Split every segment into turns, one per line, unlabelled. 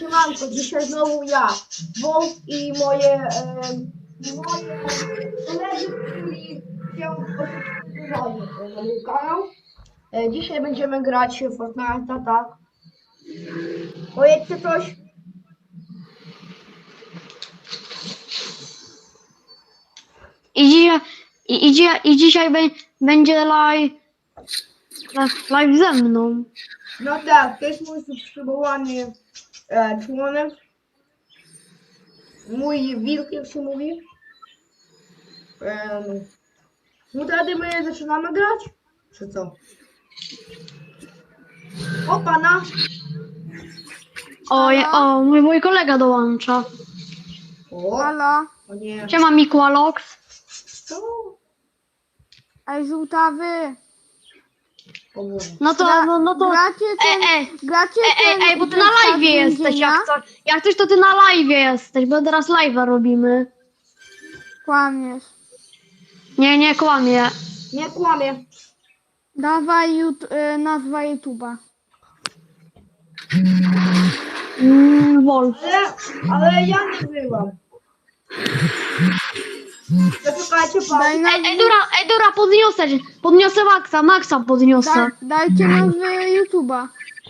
Siemanko, dzisiaj znowu ja, Wolf i moje koledzy, którzy się podpisali na mój kanał. Dzisiaj będziemy grać w Fortnite'a, tak? Powiedzcie coś.
I dzisiaj będzie live ze mną.
No tak, to jest mój subskrybowany członek. Mój wilk, jak się mówi. No wtedy my zaczynamy grać? Czy co? O pana!
Mój kolega dołącza.
O,
Halo?
o nie.
Siema Mikualox.
Co?
Ej, żółtawy!
O Boże.
No to.
Gracie ten...
Ej, bo ty na live jesteś, jak coś to ty na live jesteś, bo teraz live'a robimy.
Kłamiesz.
Nie kłamie.
Nie kłamie.
Dawaj nazwa YouTube'a.
Wolf.
Ale ja nie byłam. Zaczekajcie pan.
Ej, Dora, podniosę Maxa podniosę.
Dajcie nazwę YouTube'a.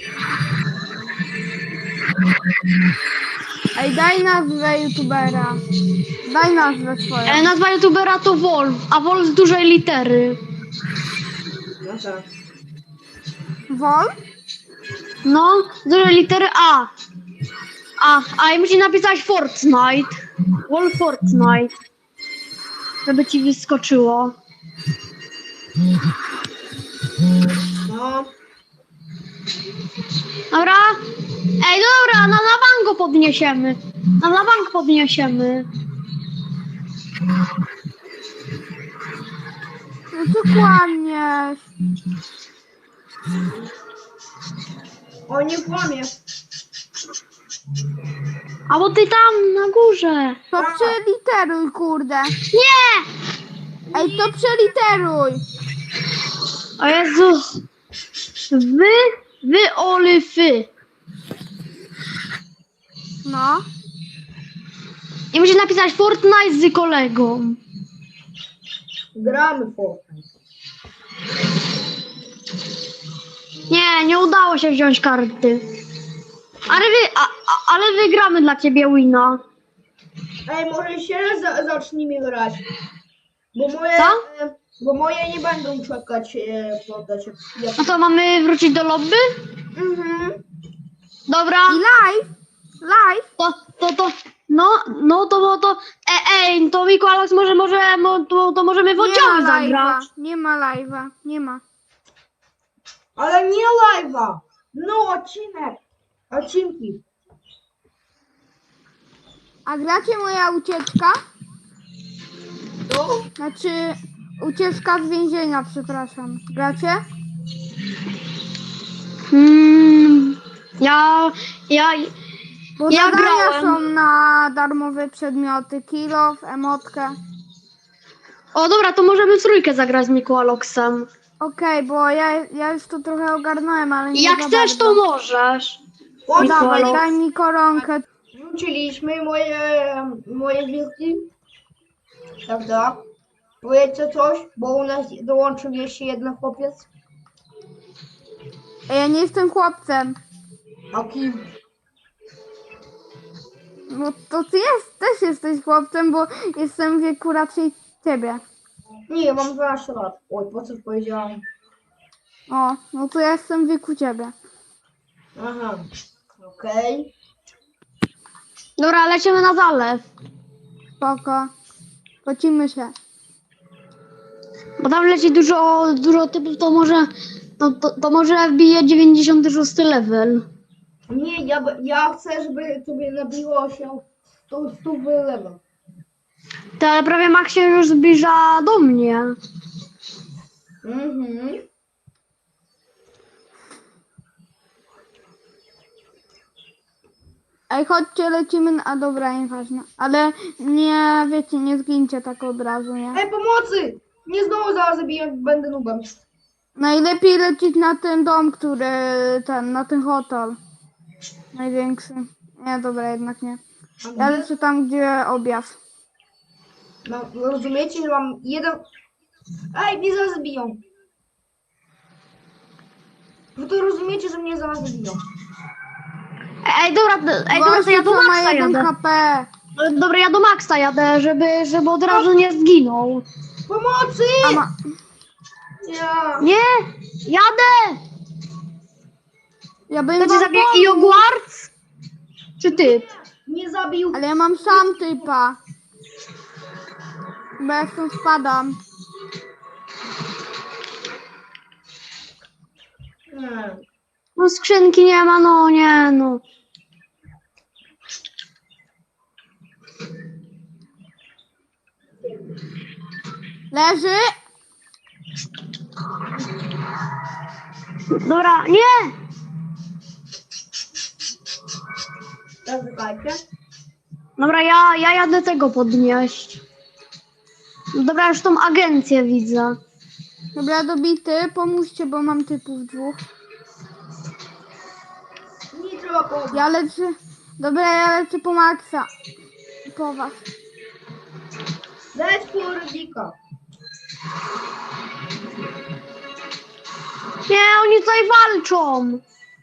Ej, daj nazwę YouTubera. Daj nazwę swoją.
Nazwa youtubera to Wolf, a Wolf z dużej litery.
No tak.
Wol?
No, z dużej litery A. I musi napisać Fortnite. Wolf Fortnite. Żeby ci wyskoczyło.
No.
Dobra? Ej, dobra, na bank go podniesiemy. Na bank podniesiemy.
No ty kłamiesz.
O, nie kłamie.
A bo ty tam na górze.
To przeliteruj, kurde.
Nie!
Ej, to przeliteruj.
O Jezus. Wy olyfy.
No.
I musisz napisać Fortnite z kolegą.
Gramy w Fortnite.
Nie udało się wziąć karty. Ale wygramy dla ciebie wina.
Ej, może się zacznijmy grać. Bo moje...
Co?
Bo moje nie będą czekać podać.
No to mamy wrócić do lobby?
Mhm.
Dobra.
I live. Live.
To Mikualax to możemy w oddziale zagrać.
Nie ma live'a. Nie ma.
Ale nie live'a. No, odcinki.
A gracie moja ucieczka?
No.
Znaczy, ucieczka z więzienia, przepraszam. Gracie? Bo
Ja
zadania
grałem.
są na darmowe przedmioty. Kilof, emotkę.
O dobra, to możemy w trójkę zagrać z Mikualaxem.
Okej, bo ja już to trochę ogarnąłem, ale nie
Jak
za
chcesz, to
bardzo.
możesz.
O,
Dawaj,
Mikualax.
daj mi koronkę.
Wróciliśmy moje wilki. Tak. Powiedzcie coś, bo u nas dołączył jeszcze jeden chłopiec.
Ja nie jestem chłopcem.
A kim?
No to ty też jesteś chłopcem, bo jestem w wieku raczej ciebie.
Nie, mam 12 lat. Oj, po co powiedziałam?
O, no to ja jestem w wieku ciebie.
Aha, okej.
Dobra, lecimy na zalew.
Spoko. Pocimy się.
Bo tam leci dużo typów, to może wbije 96 level.
Nie, ja chcę, żeby tobie nabiło się 100 level.
To ale prawie Max się już zbliża do mnie.
Mhm.
Ej, chodźcie, lecimy a dobra, nieważne. Ale nie, wiecie, nie zgincie tak od razu, nie?
Ej, pomocy! Nie znowu zaraz zabiję, będę nubem.
Najlepiej lecieć na ten dom, na ten hotel. Największy. Nie, dobra, jednak nie. Ja lecę tam, gdzie objaw.
No, rozumiecie, że mam jeden... Ej, mnie zaraz zabiją. No to rozumiecie, że mnie zaraz zabiją.
Ej, dobra, to ja do
Gościu, co ma
Maxa
1
jadę.
HP.
Dobra, ja do Maxa jadę, żeby od razu nie zginął.
Pomocy!
A ma...
Ja.
Nie, jadę!
Ja bym
Kto ci
wam
zabije
pomógł,
Jogwarts? Czy ty?
Nie zabił.
ale ja mam sam typa. Bo ja stąd spadam.
Nie.
No skrzynki nie ma, no nie no.
Leży.
Dobra, nie!
Teraz czekajcie.
Dobra, ja jadę tego podnieść. Dobra, już tą agencję widzę.
Dobra, dobity. Pomóżcie, bo mam typów 2.
Nie trzeba pomóc.
Ja lecę. Dobra, ja lecę po Maxa. Po was.
Leć po Rybika.
Nie, oni tutaj walczą.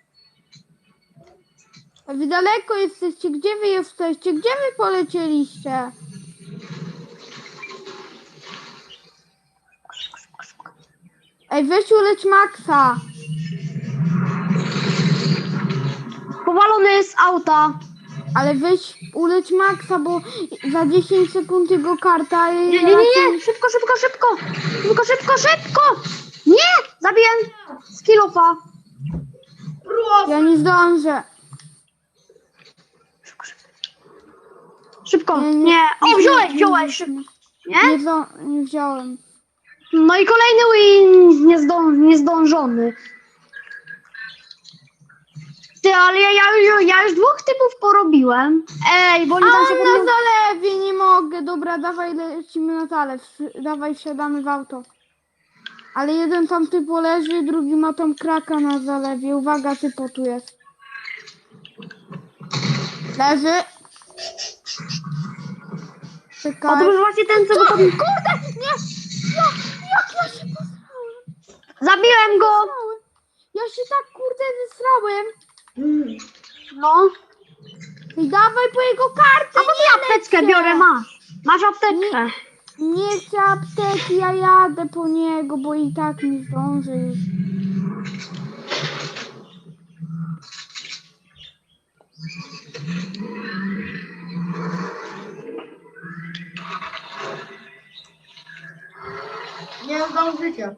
A wy daleko jesteście. Gdzie wy jesteście? Gdzie wy polecieliście? Ej, weź uleć Maxa.
Powalony jest z auta.
Ale weź uleć Maxa, bo za 10 sekund jego karta...
Nie, szybko, szybko, szybko. Szybko, szybko, szybko. Nie, zabiję z kilofa.
Proszę.
Ja nie zdążę.
Szybko,
Nie,
nie. O, wziąłeś. Nie?
Nie wziąłem.
No i kolejny win niezdążony. Ty, ale ja już 2 typów porobiłem. Ej, bo oni
A
tam się
on
podniosą.
na zalewie, nie mogę. Dobra, dawaj, lecimy na zalew. Dawaj, wsiadamy w auto. Ale jeden tam typo leży, drugi ma tam kraka na zalewie. Uwaga, typo tu jest. Leży.
O,
Czekaj.
to był właśnie ten, co go tam...
Kurde, nie! Jak ja się posrałem?
Zabiłem go!
Ja się tak, kurde, zesrałem.
No.
I dawaj po jego kartę,
A to
nie
ty apteczkę
lecę.
biorę, masz. Masz apteczkę.
Nie chcę apteki, ja jadę po niego, bo i tak nie zdążę już.
Nie zdążycie.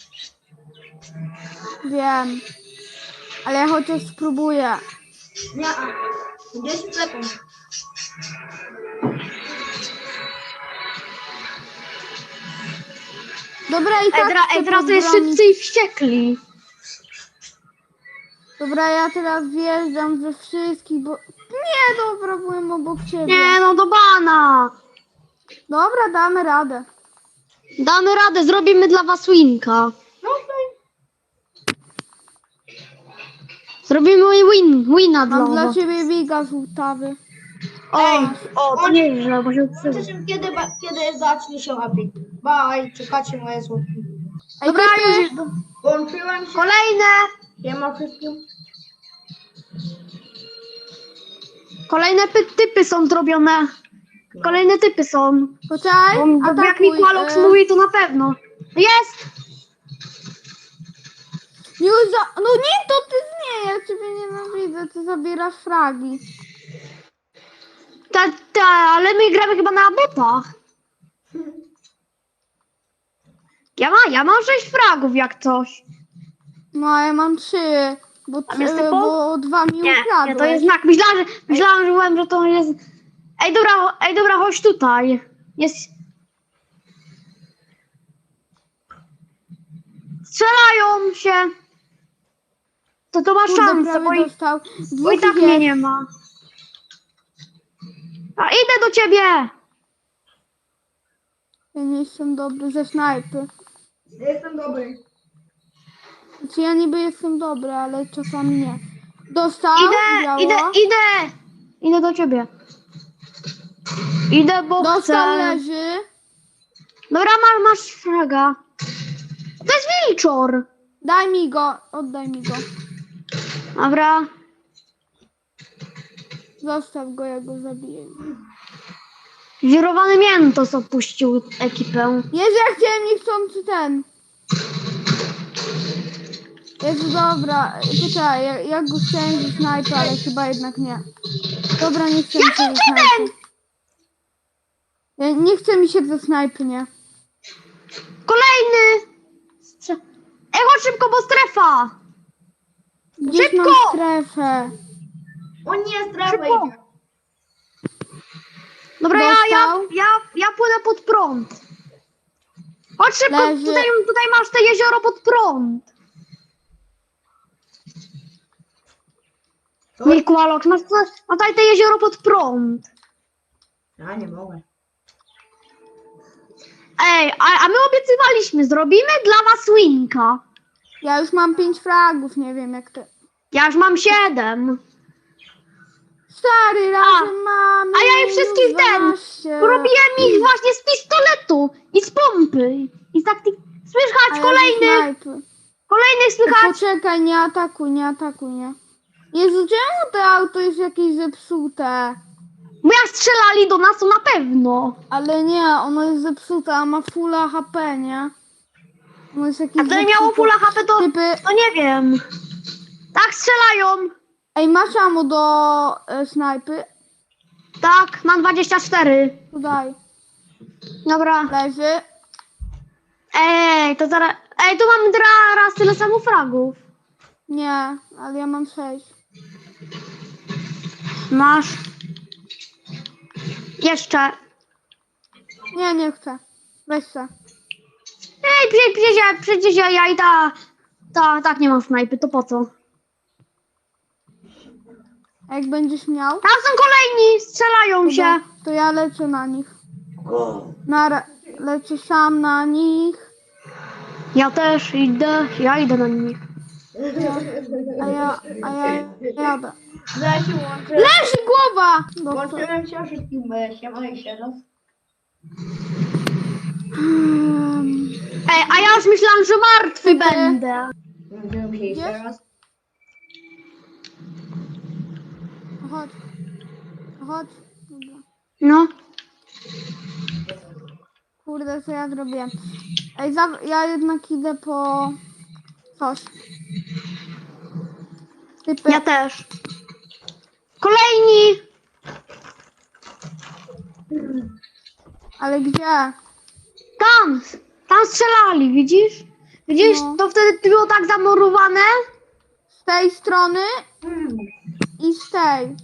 Wiem. Ale ja chociaż spróbuję.
Nie. 10 sekund.
Dobra, i tak chcę
Teraz to jest
podbronić.
szybcy i wściekli.
Dobra, ja teraz wjeżdżam we wszystkich, bo... Nie, dobra, byłem obok ciebie.
Nie no, do bana.
Dobra, damy radę.
Damy radę, zrobimy dla was winka.
No to
Zrobimy wina dla
Mam dla
was.
ciebie wiga żółtawy.
O, to nie źle, bo się odsyła.
zobaczymy, kiedy zacznie się epic. Bye, czekacie moje słodkie.
Ej,
Dobra,
typy,
już
Włączyłem się.
kolejne.
Ja mam wszystkim.
Kolejne typy są zrobione. Kolejne typy są.
poczekaj,
Bo jak
atakuj.
Mikmalox mówi, to na pewno. Jest!
Już za... No nie, to ty nie, ja ciebie nienawidzę, ty zabierasz fragi.
Ale my gramy chyba na botach. Ja mam 6 fragów jak coś.
No, a ja mam 3, bo,
Tam jest typo?
bo 2 mi
Nie,
ukradłeś.
nie, to jest znak. Myślałam, że to jest... Ej, dobra, chodź tutaj. Jest... Strzelają się. To ma
Kurde,
szansę,
prawie dostał.
bo i
Dwóch
tak
jest.
mnie nie ma. A idę do ciebie!
Ja nie jestem dobry ze snajpy.
Ja jestem dobry.
Znaczy ja niby jestem dobry, ale czasami nie. Dostał,
Idę,
działa.
idę! idę do ciebie. Idę, bo
Dostał,
chcę.
leży.
Dobra, masz fraga. To jest wilczor.
Daj mi go, oddaj mi go.
Dobra.
Zostaw go, ja go zabiję.
Wirowany Miętos opuścił ekipę.
Jezu, ja chciałem niechcący ten. Jezu, dobra. Poczekaj, ja go chciałem ze snajpy, ale chyba jednak nie. Dobra, nie chcę mi się ze snajpy. Nie chce mi się ze snajpy, nie.
Kolejny! Ej, chodź szybko, bo strefa!
Gdzieś mam
Szybko!
strefę.
O nie, strefa
Szybko.
idzie.
Dobra,
Dostał?
ja płynę pod prąd. Chodź szybko,
Leży.
tutaj masz te jezioro pod prąd.
To?
Nie, Kualok, masz tutaj te jezioro pod prąd.
Ja nie mogę.
Ej, a my obiecywaliśmy, zrobimy dla was winka.
Ja już mam 5 fragów, nie wiem jak ty.
Ja już mam 7.
Stary, razem mamy.
A ja ich wszystkich
już 12.
Porobiłem ich właśnie z pistoletu i z pompy. I z taktyk...
A
Słychać
ja ze
kolejnych,
snajpy.
kolejnych słychać.
Poczekaj, nie atakuj, nie. Jezu, czemu to auto jest jakieś zepsute?
Bo jak strzelali do nas, to na pewno.
Ale nie, ono jest zepsute, a ma fulla HP, nie? Ono jest jakieś
A to
zepsute.
miało full HP, to
Typy...
nie wiem. Tak strzelają.
Ej, masz ammo do snajpy?
Tak, mam 24.
To daj.
Dobra.
Leży.
Ej, to zaraz... Ej, tu mam raz tyle samo fragów.
Nie, ale ja mam 6.
Masz. Jeszcze.
Nie chcę. Weź se.
Ej, przecież ja i tak nie mam snajpy, to po co?
A jak będziesz miał,
Tam są kolejni, strzelają się.
to ja lecę na nich. Lecę sam na nich.
Ja też ja idę na nich.
A ja jadę.
Zaraz się łączę.
Leży głowa! Dobrze.
Łączyłem się wszystkim, siema jeszcze raz.
Ej, a ja już myślałam, że martwy będę.
Łączyłem się jeszcze
Jest?
raz.
Chodź. Chodź. Dobra.
No.
Kurde, co ja zrobię? Ej, ja jednak idę po coś. Typy.
Ja też. Kolejni.
Ale gdzie?
Tam strzelali, widzisz? Widzisz,
No.
to wtedy było tak zamurowane.
Z tej strony i z tej.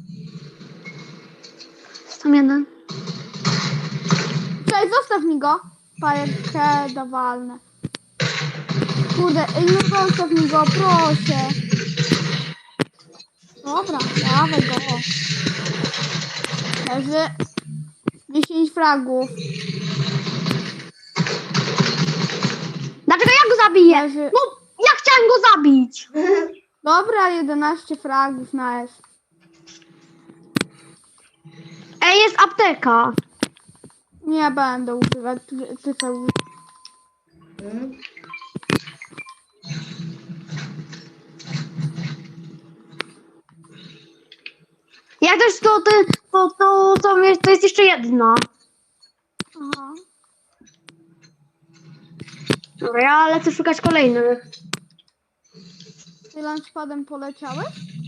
Tam jeden.
Cześć, zostaw mi go. Pajerkę dawalne. Kurde, ej, no zostaw mi go, proszę. Dobra, dawaj go. Leży 10 fragów.
Dlaczego ja go zabiję?
Leży.
No, ja chciałem go zabić.
Dobra, 11 fragów na S.
Ej, jest apteka.
Nie będę używać, ty co użyć.
Jak też to jest jeszcze jedna.
Aha.
Dobra, ja lecę szukać kolejnych.
Ty lunchpadem poleciałeś?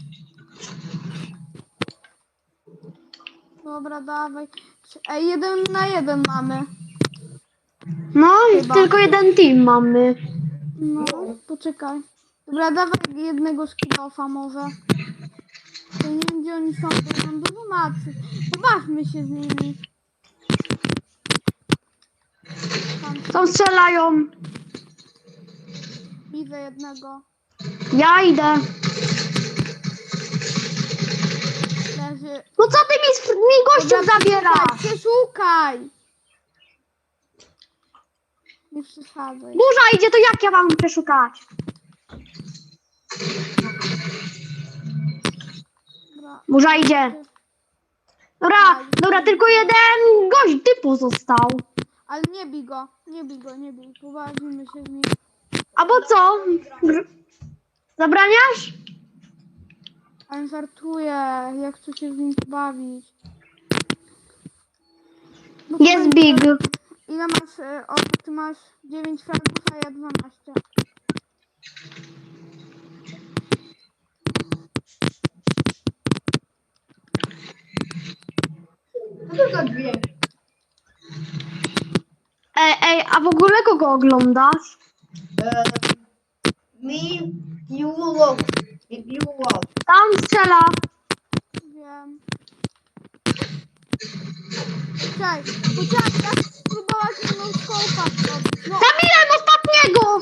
Dobra, dawaj. Ej, 1 na 1 mamy.
No i
Chyba.
tylko jeden team mamy.
No, poczekaj. Dobra, dawaj jednego skillofa może. Ja nie wiem, gdzie oni są, bo mam dużo macy. Pobawmy się z nimi. Tam
Tam strzelają.
widzę jednego.
Ja idę.
Leży.
No co ty mi gościów zabierasz?
Przeszukaj! Nie przesadzaj.
Burza idzie, to jak ja mam przeszukać?
Dobra.
Burza idzie. Dobra, tylko jeden gość, ty pozostał.
Ale nie bij go, nie bij go, nie bij. Pobawimy się z nim.
A bo co? Zabraniasz?
Ale żartuję, ja chcę się z nim bawić. No
Jest
powiedz,
big.
ile masz, ty masz 9 fragów, a ja 12.
Co to za dźwięk?
Ej, a w ogóle kogo oglądasz?
Mi Julo. Julo.
Tam strzela.
Wiem. Czekaj, chciałam spróbować jedną skołpa zrobić. No
Zabiłem ostatniego!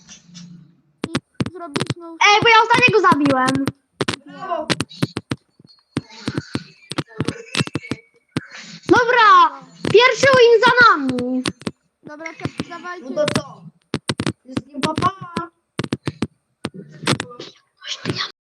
i zrobić no.
Ej, bo ja ostatniego zabiłem.
Brawo.
Dobra, pierwszy win za nami.
Dobra, to dawajcie.
No to co? Wszystkim pa, pa.